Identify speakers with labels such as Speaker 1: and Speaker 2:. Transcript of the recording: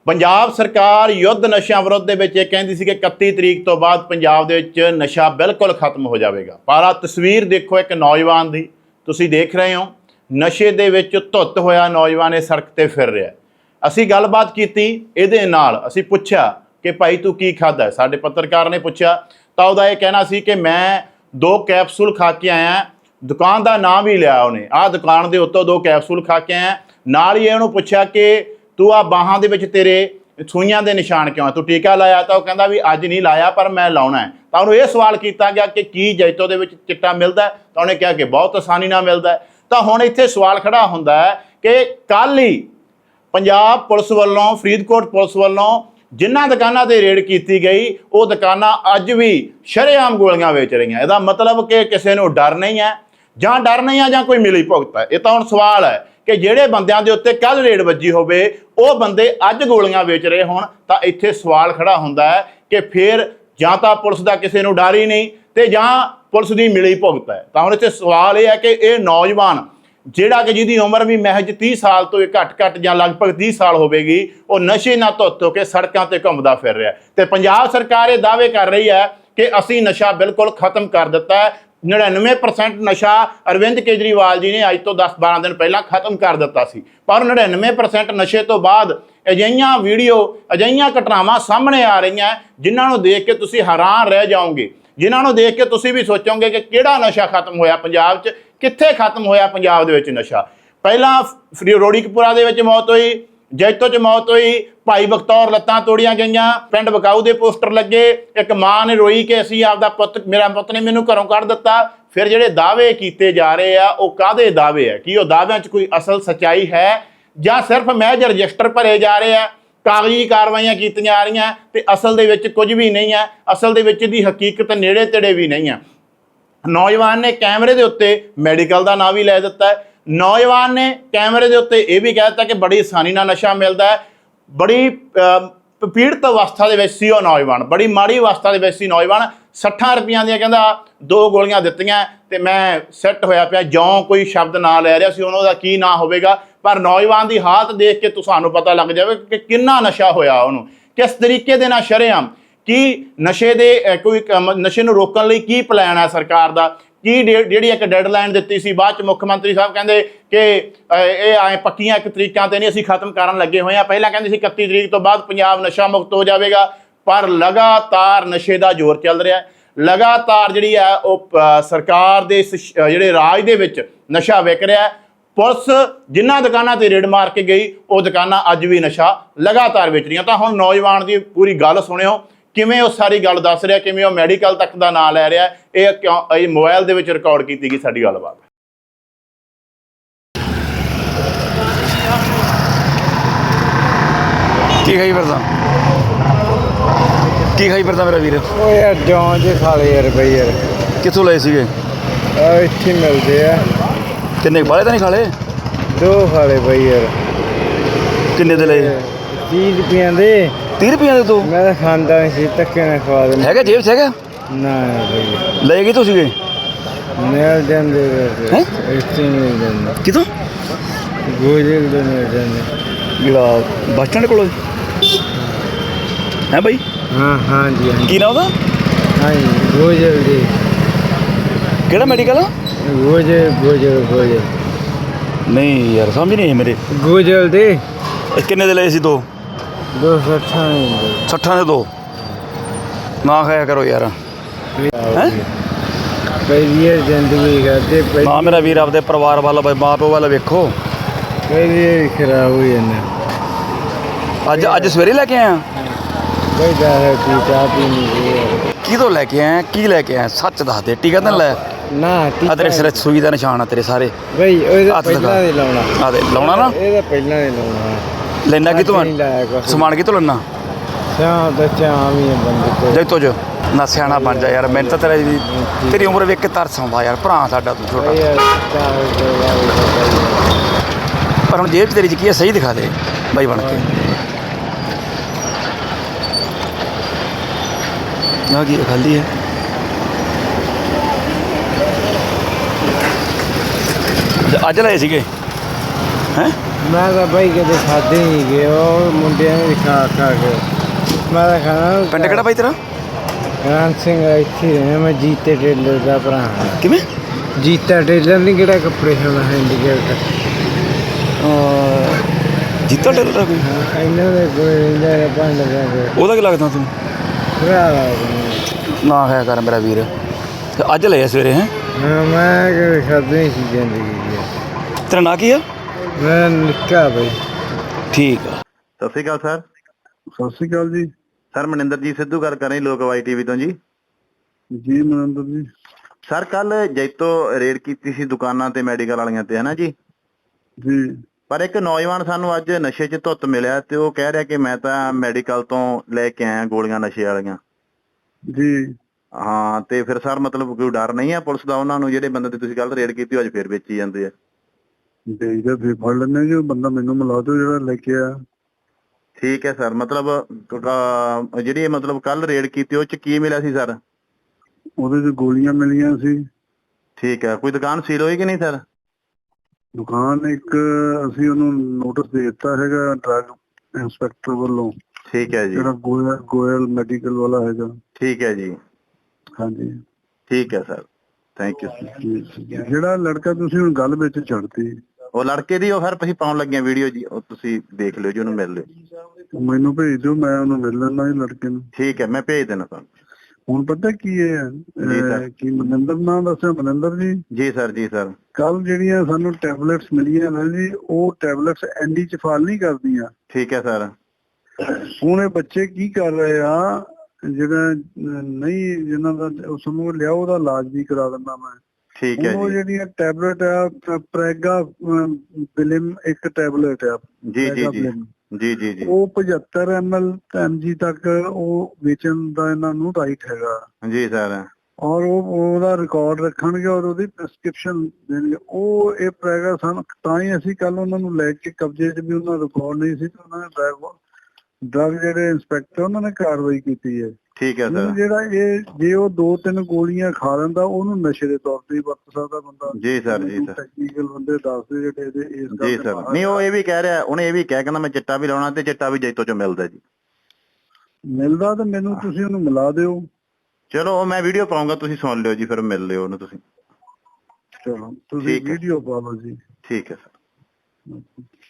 Speaker 1: ਪੰਜਾਬ ਸਰਕਾਰ ਯੁੱਧ ਨਸ਼ਿਆਂ ਵਿਰੁੱਧ ਦੇ ਵਿੱਚ ਇਹ ਕਹਿੰਦੀ ਸੀ ਕਿ 31 ਤਰੀਕ ਤੋਂ ਬਾਅਦ ਪੰਜਾਬ ਦੇ ਵਿੱਚ ਨਸ਼ਾ ਬਿਲਕੁਲ ਖਤਮ ਹੋ ਜਾਵੇਗਾ। ਪਰ ਆਹ ਤਸਵੀਰ ਦੇਖੋ ਇੱਕ ਨੌਜਵਾਨ ਦੀ, ਤੁਸੀਂ ਦੇਖ ਰਹੇ ਹੋ ਨਸ਼ੇ ਦੇ ਵਿੱਚ ਧੁੱਤ ਹੋਇਆ ਨੌਜਵਾਨ ਇਹ ਸੜਕ ਤੇ ਫਿਰ ਰਿਹਾ। ਅਸੀਂ ਗੱਲਬਾਤ ਕੀਤੀ ਇਹਦੇ ਨਾਲ, ਅਸੀਂ ਪੁੱਛਿਆ ਕਿ ਭਾਈ ਤੂੰ ਕੀ ਖਾਧਾ। ਸਾਡੇ ਪੱਤਰਕਾਰ ਨੇ ਪੁੱਛਿਆ ਤਾਂ ਉਹਦਾ ਇਹ ਕਹਿਣਾ ਸੀ ਕਿ ਮੈਂ 2 ਕੈਪਸੂਲ ਖਾ ਕੇ ਆਇਆ। ਦੁਕਾਨ ਦਾ ਨਾਮ ਵੀ ਲਿਆ ਉਹਨੇ, ਆਹ ਦੁਕਾਨ ਦੇ ਉੱਤੋਂ 2 ਕੈਪਸੂਲ ਖਾ ਕੇ ਆਇਆ। ਨਾਲ ਹੀ ਉਹਨੂੰ ਪੁੱਛਿਆ ਕਿ ਤੂੰ ਆ ਬਾਹਾਂ ਦੇ ਵਿੱਚ ਤੇਰੇ ਸੂਈਆਂ ਦੇ ਨਿਸ਼ਾਨ ਕਿਉਂ ਆ, ਤੂੰ ਟੀਕਾ ਲਾਇਆ? ਤਾਂ ਉਹ ਕਹਿੰਦਾ ਵੀ ਅੱਜ ਨਹੀਂ ਲਾਇਆ ਪਰ ਮੈਂ ਲਾਉਣਾ ਹੈ। ਤਾਂ ਉਹਨੂੰ ਇਹ ਸਵਾਲ ਕੀਤਾ ਗਿਆ ਕਿ ਕੀ ਜੈਤੋ ਦੇ ਵਿੱਚ ਚਿੱਟਾ ਮਿਲਦਾ? ਤਾਂ ਉਹਨੇ ਕਿਹਾ ਕਿ ਬਹੁਤ ਆਸਾਨੀ ਨਾਲ ਮਿਲਦਾ। ਤਾਂ ਹੁਣ ਇੱਥੇ ਸਵਾਲ ਖੜਾ ਹੁੰਦਾ ਹੈ ਕਿ ਕੱਲ੍ਹ ਹੀ ਪੰਜਾਬ ਪੁਲਿਸ ਵੱਲੋਂ, ਫਰੀਦਕੋਟ ਪੁਲਿਸ ਵੱਲੋਂ ਜਿਨ੍ਹਾਂ ਦੁਕਾਨਾਂ ਤੇ ਰੇਡ ਕੀਤੀ ਗਈ ਉਹ ਦੁਕਾਨਾਂ ਅੱਜ ਵੀ ਸ਼ਰੇਆਮ ਗੋਲੀਆਂ ਵੇਚ ਰਹੀਆਂ। ਇਹਦਾ ਮਤਲਬ ਕਿ ਕਿਸੇ ਨੂੰ ਡਰ ਨਹੀਂ ਹੈ, ਜਾਂ ਡਰ ਨਹੀਂ ਹੈ ਜਾਂ ਕੋਈ ਮਿਲੀ ਭੁਗਤ ਹੈ। ਇਹ ਤਾਂ ਹੁਣ ਸਵਾਲ ਹੈ ਕਿ ਜਿਹੜੇ ਬੰਦਿਆਂ ਦੇ ਉੱਤੇ ਕੱਲ੍ਹ ਰੇਡ ਵੱਜੀ ਹੋਵੇ ਉਹ ਬੰਦੇ ਅੱਜ ਗੋਲੀਆਂ ਵੇਚ ਰਹੇ ਹੋਣ। ਤਾਂ ਇੱਥੇ ਸਵਾਲ ਖੜਾ ਹੁੰਦਾ ਹੈ ਕਿ ਫਿਰ ਜਾਂ ਤਾਂ ਪੁਲਿਸ ਦਾ ਕਿਸੇ ਨੂੰ ਡਰ ਹੀ ਨਹੀਂ ਤੇ ਜਾਂ ਪੁਲਿਸ ਦੀ ਮਿਲੀ ਭੁਗਤ ਹੈ। ਤਾਂ ਹੁਣ ਇੱਥੇ ਸਵਾਲ ਇਹ ਹੈ ਕਿ ਇਹ ਨੌਜਵਾਨ ਜਿਹੜਾ ਕਿ ਜਿਹਦੀ ਉਮਰ ਵੀ ਮਹਿਜ 30 ਸਾਲ ਤੋਂ ਘੱਟ ਜਾਂ ਲਗਭਗ 30 ਸਾਲ ਹੋਵੇਗੀ, ਉਹ ਨਸ਼ੇ ਨਾਲ ਧੁੱਤ ਹੋ ਕੇ ਸੜਕਾਂ ਤੇ ਘੁੰਮਦਾ ਫਿਰ ਰਿਹਾ। ਤੇ ਪੰਜਾਬ ਸਰਕਾਰ ਇਹ ਦਾਅਵੇ ਕਰ ਰਹੀ ਹੈ ਕਿ ਅਸੀਂ ਨਸ਼ਾ ਬਿਲਕੁਲ ਖਤਮ ਕਰ ਦਿੱਤਾ ਹੈ। 99% ਨਸ਼ਾ ਅਰਵਿੰਦ ਕੇਜਰੀਵਾਲ ਜੀ ਨੇ ਅੱਜ ਤੋਂ 10-12 ਦਿਨ ਪਹਿਲਾਂ ਖਤਮ ਕਰ ਦਿੱਤਾ ਸੀ। ਪਰ 99% ਨਸ਼ੇ ਤੋਂ ਬਾਅਦ ਅਜਿਹੀਆਂ ਵੀਡੀਓ, ਅਜਿਹੀਆਂ ਘਟਨਾਵਾਂ ਸਾਹਮਣੇ ਆ ਰਹੀਆਂ ਜਿਨ੍ਹਾਂ ਨੂੰ ਦੇਖ ਕੇ ਤੁਸੀਂ ਹੈਰਾਨ ਰਹਿ ਜਾਓਗੇ, ਜਿਨ੍ਹਾਂ ਨੂੰ ਦੇਖ ਕੇ ਤੁਸੀਂ ਵੀ ਸੋਚੋਗੇ ਕਿ ਕਿਹੜਾ ਨਸ਼ਾ ਖਤਮ ਹੋਇਆ ਪੰਜਾਬ 'ਚ, ਕਿੱਥੇ ਖਤਮ ਹੋਇਆ ਪੰਜਾਬ ਦੇ ਵਿੱਚ ਨਸ਼ਾ। ਪਹਿਲਾਂ ਰੋੜੀਕਪੁਰਾ ਦੇ ਵਿੱਚ ਮੌਤ ਹੋਈ, ਜੈਤੋ 'ਚ ਮੌਤ ਹੋਈ, ਭਾਈ ਬਖਤੌਰ ਲੱਤਾਂ ਤੋੜੀਆਂ ਗਈਆਂ, ਪਿੰਡ ਬਕਾਊ ਦੇ ਪੋਸਟਰ ਲੱਗੇ, ਇੱਕ ਮਾਂ ਨੇ ਰੋਈ ਕਿ ਅਸੀਂ ਆਪਦਾ ਪੁੱਤ, ਮੇਰਾ ਪੁੱਤ ਨੇ ਮੈਨੂੰ ਘਰੋਂ ਕੱਢ ਦਿੱਤਾ। ਫਿਰ ਜਿਹੜੇ ਦਾਅਵੇ ਕੀਤੇ ਜਾ ਰਹੇ ਆ ਉਹ ਕਾਹਦੇ ਦਾਅਵੇ ਆ? ਕੀ ਉਹ ਦਾਅਵਿਆਂ 'ਚ ਕੋਈ ਅਸਲ ਸੱਚਾਈ ਹੈ ਜਾਂ ਸਿਰਫ ਮਹਿਜ ਰਜਿਸਟਰ ਭਰੇ ਜਾ ਰਹੇ ਆ, ਕਾਗਜ਼ੀ ਕਾਰਵਾਈਆਂ ਕੀਤੀਆਂ ਜਾ ਰਹੀਆਂ ਤੇ ਅਸਲ ਦੇ ਵਿੱਚ ਕੁਝ ਵੀ ਨਹੀਂ ਹੈ, ਅਸਲ ਦੇ ਵਿੱਚ ਦੀ ਹਕੀਕਤ ਨੇੜੇ ਤੇੜੇ ਵੀ ਨਹੀਂ ਹੈ। ਨੌਜਵਾਨ ਨੇ ਕੈਮਰੇ ਦੇ ਉੱਤੇ ਮੈਡੀਕਲ ਦਾ ਨਾਂ ਵੀ ਲੈ ਦਿੱਤਾ ਹੈ। ਨੌਜਵਾਨ ਨੇ ਕੈਮਰੇ ਦੇ ਉੱਤੇ ਇਹ ਵੀ ਕਹਿ ਦਿੱਤਾ ਕਿ ਬੜੀ ਆਸਾਨੀ ਨਾਲ ਨਸ਼ਾ ਮਿਲਦਾ ਹੈ। ਬੜੀ ਪੀੜਤ ਅਵਸਥਾ ਦੇ ਵਿੱਚ ਸੀ ਉਹ ਨੌਜਵਾਨ, ਬੜੀ ਮਾੜੀ ਅਵਸਥਾ ਦੇ ਵਿੱਚ ਸੀ ਨੌਜਵਾਨ। 60 ਰੁਪਈਆਂ ਦੀਆਂ ਕਹਿੰਦਾ 2 ਗੋਲੀਆਂ ਦਿੱਤੀਆਂ ਤੇ ਮੈਂ ਸੈੱਟ ਹੋਇਆ ਪਿਆ। ਜਿਉਂ ਕੋਈ ਸ਼ਬਦ ਨਾਂ ਲੈ ਰਿਹਾ ਸੀ, ਉਹਨਾਂ ਦਾ ਕੀ ਨਾਂ ਹੋਵੇਗਾ, ਪਰ ਨੌਜਵਾਨ ਦੀ ਹਾਲਤ ਦੇਖ ਕੇ ਤੁਹਾਨੂੰ ਪਤਾ ਲੱਗ ਜਾਵੇ ਕਿ ਕਿੰਨਾ ਨਸ਼ਾ ਹੋਇਆ ਉਹਨੂੰ, ਕਿਸ ਤਰੀਕੇ ਦੇ ਨਾਲ ਸ਼ਰੇਆਮ। ਕੀ ਨਸ਼ੇ ਦੇ ਕੋਈ ਨਸ਼ੇ ਨੂੰ ਰੋਕਣ ਲਈ ਕੀ ਪਲਾਨ ਹੈ ਸਰਕਾਰ ਦਾ? ਕੀ ਜਿਹੜੀ ਇੱਕ ਡੈਡਲਾਈਨ ਦਿੱਤੀ ਸੀ, ਬਾਅਦ 'ਚ ਮੁੱਖ ਮੰਤਰੀ ਸਾਹਿਬ ਕਹਿੰਦੇ ਕਿ ਇਹ ਐਂ ਪੱਕੀਆਂ 1 ਤਰੀਕਾਂ 'ਤੇ ਨਹੀਂ, ਅਸੀਂ ਖਤਮ ਕਰਨ ਲੱਗੇ ਹੋਏ ਹਾਂ। ਪਹਿਲਾਂ ਕਹਿੰਦੇ ਸੀ 31 ਤਰੀਕ ਤੋਂ ਬਾਅਦ ਪੰਜਾਬ ਨਸ਼ਾ ਮੁਕਤ ਹੋ ਜਾਵੇਗਾ, ਪਰ ਲਗਾਤਾਰ ਨਸ਼ੇ ਦਾ ਜ਼ੋਰ ਚੱਲ ਰਿਹਾ। ਲਗਾਤਾਰ ਜਿਹੜੀ ਹੈ ਉਹ ਸਰਕਾਰ ਦੇ ਜਿਹੜੇ ਰਾਜ ਦੇ ਵਿੱਚ ਨਸ਼ਾ ਵਿਕ ਰਿਹਾ। ਪੁਲਿਸ ਜਿਨ੍ਹਾਂ ਦੁਕਾਨਾਂ 'ਤੇ ਰੇਡ ਮਾਰ ਕੇ ਗਈ ਉਹ ਦੁਕਾਨਾਂ ਅੱਜ ਵੀ ਨਸ਼ਾ ਲਗਾਤਾਰ ਵੇਚ ਰਹੀਆਂ। ਤਾਂ ਹੁਣ ਨੌਜਵਾਨ ਦੀ ਪੂਰੀ ਗੱਲ ਸੁਣਿਓ, ਕਿਵੇਂ ਉਹ ਸਾਰੀ ਗੱਲ ਦੱਸ ਰਿਹਾ, ਕਿਵੇਂ ਉਹ ਮੈਡੀਕਲ ਤੱਕ ਦਾ ਨਾਂ ਲੈ ਰਿਹਾ। ਇਹ ਕਿਉਂ, ਇਹ ਮੋਬਾਈਲ ਦੇ ਵਿੱਚ ਰਿਕਾਰਡ ਕੀਤੀ ਗਈ ਸਾਡੀ ਗੱਲਬਾਤ।
Speaker 2: ਕੀ ਖਾਈ ਫਿਰਦਾ, ਕੀ ਖਾਈ ਫਿਰਦਾ ਮੇਰਾ ਵੀਰ?
Speaker 3: ਉਹ ਯਾਰ ਜੌਂ ਜੇ ਖਾ ਲਏ ਯਾਰ ਬਈ ਯਾਰ।
Speaker 2: ਕਿੱਥੋਂ ਲਏ ਸੀਗੇ?
Speaker 3: ਇੱਥੇ ਮਿਲਦੇ ਆ।
Speaker 2: ਕਿੰਨੇ ਬਾਲੇ ਤਾਂ ਨਹੀਂ ਖਾ ਲਏ?
Speaker 3: 2 ਖਾ ਲਏ ਬਈ ਯਾਰ।
Speaker 2: ਕਿੰਨੇ ਦੇ ਲਏ?
Speaker 3: 30 ਰੁਪਈਆਂ ਦੇ।
Speaker 2: 30 ਰੁਪਈਆਂ ਦੇ 2?
Speaker 3: ਮੈਂ ਤਾਂ ਖਾਂਦਾ ਨਹੀਂ ਸੀ, ਧੱਕੇ ਨਾਲ ਖਵਾ ਦਿੰਦਾ।
Speaker 2: ਹੈਗਾ ਜੇਬ 'ਚ ਹੈਗਾ?
Speaker 3: ਨਾ ਬਈ
Speaker 2: ਲਏ ਕਿੱਥੋਂ ਸੀਗੇ?
Speaker 3: ਮਿਲ ਜਾਂਦੇ
Speaker 2: ਹੈਂ?
Speaker 3: ਇੱਥੇ ਮਿਲ ਜਾਂਦੇ।
Speaker 2: ਕਿੱਥੋਂ?
Speaker 3: ਗੋਜਲ ਤੋਂ ਮਿਲ ਜਾਂਦੇ।
Speaker 2: ਜਿਹੜਾ ਬੱਸ ਸਟੈਂਡ ਕੋਲ ਹੈ ਬਾਈ?
Speaker 3: ਹਾਂ ਜੀ ਹਾਂ।
Speaker 2: ਕੀ ਨਾਮ ਉਹਦਾ?
Speaker 3: ਹਾਂਜੀ ਗੋਜਲ ਦੇ।
Speaker 2: ਕਿਹੜਾ ਮੈਡੀਕਲ?
Speaker 3: ਗੋਜਲ
Speaker 2: ਨਹੀਂ ਯਾਰ ਸਮਝ ਨਹੀਂ ਆਈ ਮੇਰੇ।
Speaker 3: ਗੋਜਲ ਦੇ।
Speaker 2: ਕਿੰਨੇ ਦੇ ਲਏ ਸੀ 2?
Speaker 3: 260
Speaker 2: 60 ਦੇ 2 ਨਾ ਖਾਇਆ ਕਰੋ ਯਾਰ। ਹੈ
Speaker 3: ਪਹਿਲੀ ਜ਼ਿੰਦਗੀ ਕਰਦੇ ਪਹਿਲੀ।
Speaker 2: ਨਾ ਮੇਰਾ ਵੀਰ ਆਪਦੇ ਪਰਿਵਾਰ ਵੱਲ, ਮਾਂ ਪਿਓ ਵੱਲ ਵੇਖੋ।
Speaker 3: ਪਹਿਲੀ ਖਰਾਬ ਹੋਈ ਜਾਂਦਾ।
Speaker 2: ਅੱਜ ਸਵੇਰੇ ਲੈ ਕੇ ਆਇਆ?
Speaker 3: ਬਈ ਦਾ ਕੀ ਚਾਹ ਪੀਣੀ?
Speaker 2: ਕਿਦੋਂ ਲੈ ਕੇ ਆਇਆ? ਕੀ ਲੈ ਕੇ ਆਇਆ? ਸੱਚ ਦੱਸ ਦੇ। ਟੀਕਾ ਤਾਂ ਲੈ
Speaker 3: ਨਾ?
Speaker 2: ਆ ਤੇਰੇ ਸਿਰ ਸੂਈ ਦਾ ਨਿਸ਼ਾਨ ਆ ਤੇਰੇ ਸਾਰੇ।
Speaker 3: ਬਈ ਉਹਦਾ ਪਹਿਲਾਂ ਨਹੀਂ ਲਾਉਣਾ।
Speaker 2: ਆ ਦੇ ਲਾਉਣਾ ਨਾ?
Speaker 3: ਇਹਦਾ ਪਹਿਲਾਂ ਨਹੀਂ ਲਾਉਣਾ।
Speaker 2: ਲੈਣਾ ਕਿਤੋਂ? ਸਮਾਨ ਕਿਤੋਂ ਲੈਣਾ?
Speaker 3: ਸ਼ਾਮ ਦਾ ਚਾਮ ਹੀ ਬੰਦੇ
Speaker 2: ਜੈਤੋ ਚ। ਨਾ ਸਿਆਣਾ ਬਣ ਜਾ ਯਾਰ, ਮੈਨੂੰ ਤਾਂ ਤੇਰੀ ਉਮਰ ਵੇਖ ਕੇ ਤਰਸ ਆਉਂਦਾ ਯਾਰ। ਭਰਾ ਸਾਡਾ ਤੂੰ ਛੋਟਾ। ਪਰ ਹੁਣ ਜੇਬ 'ਚ ਤੇਰੀ 'ਚ ਕੀ ਹੈ? ਸਹੀ ਦਿਖਾ ਦੇ ਬਾਈ ਬਣ ਕੇ। ਆ ਕੀ ਖਾਲੀ ਹੈ? ਅੱਜ ਲਏ ਸੀਗੇ ਹੈ
Speaker 3: ਮੈਂ ਤਾਂ ਬਾਈ ਕਦੇ ਖਾਦੇ ਨਹੀਂ ਗਏ ਉਹ ਮੁੰਡਿਆਂ ਨੇ ਖਾ ਕੇ ਮੈਂ ਤਾਂ ਖਾਣਾ
Speaker 2: ਪਿੰਡ ਕਿਹੜਾ ਬਾਈ ਤੇਰਾ?
Speaker 3: ਰਾਮ ਸਿੰਘ ਇੱਥੇ ਰਹਿਣਾ ਮੈਂ ਜੀਤੇ ਟੇਲਰ ਦਾ ਭਰਾ ਹਾਂ।
Speaker 2: ਕਿਵੇਂ?
Speaker 3: ਜੀਤਾ ਟੇਲਰ ਨਹੀਂ ਕਿਹੜਾ ਕੱਪੜੇ ਸਿਉਂਦਾ ਹੈਂਡੀਕੈਪਟ।
Speaker 2: ਜੀਤਾ ਟੇਲਰ ਆ ਕੋਈ?
Speaker 3: ਹਾਂ ਇਹਨਾਂ ਦੇ ਕੋਲ ਰਹਿੰਦਾ ਹੈ ਭਾਂਡੇ ਦਾ ਕੋਲ
Speaker 2: ਉਹਦਾ ਕੀ ਲੱਗਦਾ ਤੂੰ?
Speaker 3: ਭਰਾ ਲੱਗਦਾ।
Speaker 2: ਨਾ ਖਾਇਆ ਕਰ ਮੇਰਾ ਵੀਰ। ਤੇ ਅੱਜ ਲਿਆ ਸਵੇਰੇ ਹੈ?
Speaker 3: ਹਾਂ ਮੈਂ ਕਦੇ ਖਾਦੇ ਨਹੀਂ ਸੀ ਜ਼ਿੰਦਗੀ 'ਚ।
Speaker 2: ਤੇਰਾ ਨਾਂ ਕੀ ਆ?
Speaker 3: ਮੈਂ ਨਿੱਕਾ ਬਾਈ।
Speaker 2: ਠੀਕ ਆ।
Speaker 1: ਸਤਿ ਸ਼੍ਰੀ ਅਕਾਲ ਸਰ।
Speaker 4: ਸਤਿ ਸ਼੍ਰੀ ਅਕਾਲ ਜੀ।
Speaker 1: ਸਰ ਮਨਿੰਦਰਜੀਤ ਸਿੱਧੂ ਗੱਲ ਕਰ ਰਹੇ ਲੋਕਵਾਈ ਟੀਵੀ ਤੋਂ ਜੀ।
Speaker 4: ਜੀ ਮਨਿੰਦਰ ਜੀ।
Speaker 1: ਸਰ ਕੱਲ ਜੈਤੋ ਰੇਡ ਕੀਤੀ ਸੀ ਦੁਕਾਨਾਂ ਤੇ ਮੈਡੀਕਲ ਵਾਲੀਆਂ ਤੇ, ਹੈ ਨਾ ਜੀ?
Speaker 4: ਜੀ
Speaker 1: ਪਰ ਇੱਕ ਨੌਜਵਾਨ ਸਾਨੂੰ ਅੱਜ ਨਸ਼ੇ 'ਚ ਧੁੱਤ ਮਿਲਿਆ ਤੇ ਉਹ ਕਹਿ ਰਿਹਾ ਕਿ ਮੈਂ ਤਾਂ ਮੈਡੀਕਲ ਤੋਂ ਲੈ ਕੇ ਆਇਆ ਗੋਲੀਆਂ ਨਸ਼ੇ ਵਾਲੀਆਂ।
Speaker 4: ਜੀ
Speaker 1: ਹਾਂ ਤੇ ਫਿਰ ਸਰ ਮਤਲਬ ਕੋਈ ਡਰ ਨਹੀਂ ਆ ਪੁਲਿਸ ਦਾ ਉਹਨਾਂ ਨੂੰ, ਜਿਹੜੇ ਬੰਦੇ ਤੇ ਤੁਸੀਂ ਕੱਲ ਰੇਡ ਕੀਤੀ ਅੱਜ ਫਿਰ ਵੇਚੀ ਜਾਂਦੇ ਆ?
Speaker 4: ਦੇਖਦੇ ਫਿਰ ਫੜ ਲੈਂਦੇ ਜੀ। ਬੰਦਾ ਮੈਨੂੰ ਮਿਲਾ ਦਿਓ ਜਿਹੜਾ ਲੈ ਕੇ ਆਇਆ।
Speaker 1: ਠੀਕ ਹੈ ਸਰ। ਮਤਲਬ ਜਿਹੜੀ ਮਤਲਬ ਕੱਲ ਰੇਡ ਕੀਤੀ ਉਹ 'ਚ ਕੀ ਮਿਲਿਆ ਸੀ ਸਰ?
Speaker 4: ਉਹਦੇ 'ਚ ਗੋਲੀਆਂ ਮਿਲੀਆਂ ਸੀ।
Speaker 1: ਠੀਕ ਹੈ। ਕੋਈ ਦੁਕਾਨ ਸੀਲ ਹੋਈ ਕਿ ਨਹੀਂ ਸਰ?
Speaker 4: ਦੁਕਾਨ ਇੱਕ ਅਸੀਂ ਉਹਨੂੰ ਨੋਟਿਸ ਦੇ ਦਿੱਤਾ ਹੈਗਾ ਡਰੱਗ ਇੰਸਪੈਕਟਰ ਵੱਲੋਂ,
Speaker 1: ਠੀਕ ਹੈ ਜੀ।
Speaker 4: ਜਿਹੜਾ ਗੋਇਲ ਮੈਡੀਕਲ ਵਾਲਾ ਹੈਗਾ।
Speaker 1: ਠੀਕ ਹੈ ਜੀ।
Speaker 4: ਹਾਂਜੀ
Speaker 1: ਠੀਕ ਹੈ ਸਰ, ਥੈਂਕ ਯੂ।
Speaker 4: ਜਿਹੜਾ ਲੜਕਾ ਤੁਸੀਂ ਹੁਣ ਗੱਲ ਵਿੱਚ ਛੱਡਤੀ,
Speaker 1: ਉਹ ਲੜਕੇ ਦੀ ਉਹ ਫਿਰ ਤੁਸੀਂ ਪਾਉਣ ਲੱਗੀਆਂ ਵੀਡੀਓ ਜੀ, ਉਹ ਤੁਸੀਂ ਦੇਖ ਲਿਓ ਜੀ, ਉਹਨੂੰ ਮਿਲ ਲਿਓ।
Speaker 4: ਮੈਨੂੰ ਭੇਜ ਦਿਓ, ਮੈਂ ਉਹਨੂੰ ਮਿਲ ਲੈਣਾ ਜੀ ਲੜਕੇ ਨੂੰ।
Speaker 1: ਠੀਕ ਹੈ, ਮੈਂ ਭੇਜ ਦੇਣਾ ਤੁਹਾਨੂੰ।
Speaker 4: ਹੁਣ ਪਤਾ ਕੀ ਹੈ ਕੀ ਮਨਿੰਦਰ ਨਾਂ ਦੱਸਿਆ? ਮਨਿੰਦਰ ਜੀ।
Speaker 1: ਜੀ ਸਰ, ਜੀ ਸਰ।
Speaker 4: ਕੱਲ ਜਿਹੜੀਆਂ ਸਾਨੂੰ ਟੈਬਲੇਟਸ ਮਿਲੀਆਂ ਨੇ ਜੀ, ਉਹ ਟੈਬਲੇਟਸ ਐਨਡੀ ਚ ਫਾਲ ਨਹੀਂ ਕਰਦੀਆਂ।
Speaker 1: ਠੀਕ ਹੈ ਸਰ।
Speaker 4: ਹੁਣ ਇਹ ਬੱਚੇ ਕੀ ਕਰ ਰਹੇ ਆ, ਜਿਹੜਾ ਨਹੀਂ ਜਿਨ੍ਹਾਂ ਦਾ ਉਸਨੂੰ ਲਿਆ ਉਹਦਾ ਇਲਾਜ ਵੀ ਕਰਾ ਦਿੰਦਾ ਮੈਂ।
Speaker 1: ਠੀਕ ਹੈ
Speaker 4: ਉਹ
Speaker 1: ਜੀ।
Speaker 4: ਜਿਹੜੀਆਂ ਟੈਬਲੇਟ ਆ ਪ੍ਰੈਗਾ ਬਿਲਿਮ ਇੱਕ ਟੈਬਲੇਟ ਆ
Speaker 1: ਜੀ ਜੀ ਜੀ ਜੀ ਜੀ ਜੀ।
Speaker 4: ਉਹ 75 mg ਤੱਕ ਉਹ ਵੇਚਣ ਦਾ ਇਹਨਾਂ ਨੂੰ ਰਾਈਟ ਹੈਗਾ।
Speaker 1: ਜੀ ਸਰ।
Speaker 4: ਔਰ ਉਹਦਾ ਰਿਕਾਰਡ ਰੱਖਣਗੇ ਔਰ ਉਹਦੀ ਪ੍ਰੈਸਕ੍ਰਿਪਸ਼ਨ ਦੇਣਗੇ। ਉਹ ਇਹ ਪ੍ਰੈਗਾ ਸਾਨੂੰ ਤਾਂ ਹੀ ਅਸੀਂ ਕੱਲ ਉਹਨਾਂ ਨੂੰ ਲੈ ਕੇ ਕਬਜ਼ੇ 'ਚ ਵੀ ਉਹਨਾਂ ਰਿਕਾਰਡ ਨਹੀਂ ਸੀ ਤੇ ਉਹਨਾਂ ਨੇ ਡਰੱਗ ਜਿਹੜੇ ਇੰਸਪੈਕਟਰ ਉਹਨਾਂ ਨੇ ਕਾਰਵਾਈ ਕੀਤੀ ਹੈ।
Speaker 1: ਠੀਕ ਹੈ ਸਰ।
Speaker 4: ਜਿਹੜਾ ਇਹ ਜੇ ਉਹ 2-3 ਗੋਲੀਆਂ ਖਾ ਲੈਂਦਾ ਉਹਨੂੰ ਨਸ਼ੇ ਦੇ ਤੌਰ ਤੇ ਵਰਤ ਸਕਦਾ ਬੰਦਾ।
Speaker 1: ਜੀ ਸਰ, ਜੀ ਸਰ।
Speaker 4: ਟੈਕਨੀਕਲ ਬੰਦੇ ਦੱਸਦੇ ਜਿਹੜੇ ਇਹਦੇ ਇਸ ਗੱਲ
Speaker 1: ਜੀ ਸਰ। ਨਹੀਂ ਉਹ ਇਹ ਵੀ ਕਹਿ ਰਿਹਾ, ਉਹਨੇ ਇਹ ਵੀ ਕਹਿ ਕਹਿੰਦਾ ਮੈਂ ਚਿੱਟਾ ਵੀ ਲਾਉਣਾ ਤੇ ਚਿੱਟਾ ਵੀ ਜੈਤੋ 'ਚੋਂ ਮਿਲਦਾ ਜੀ।
Speaker 4: ਮਿਲਦਾ ਤਾਂ ਮੈਨੂੰ ਤੁਸੀਂ ਉਹਨੂੰ ਮਿਲਾ ਦਿਓ।
Speaker 1: ਚਲੋ ਉਹ ਮੈਂ ਵੀਡੀਓ ਪਾਉਂਗਾ, ਤੁਸੀਂ ਸੁਣ ਲਿਓ ਜੀ, ਫਿਰ ਮਿਲ ਲਿਓ ਉਹਨੂੰ ਤੁਸੀਂ।
Speaker 4: ਚਲੋ ਤੁਸੀਂ ਵੀਡੀਓ ਪਾ ਲਓ ਜੀ।
Speaker 1: ਠੀਕ ਹੈ ਸਰ।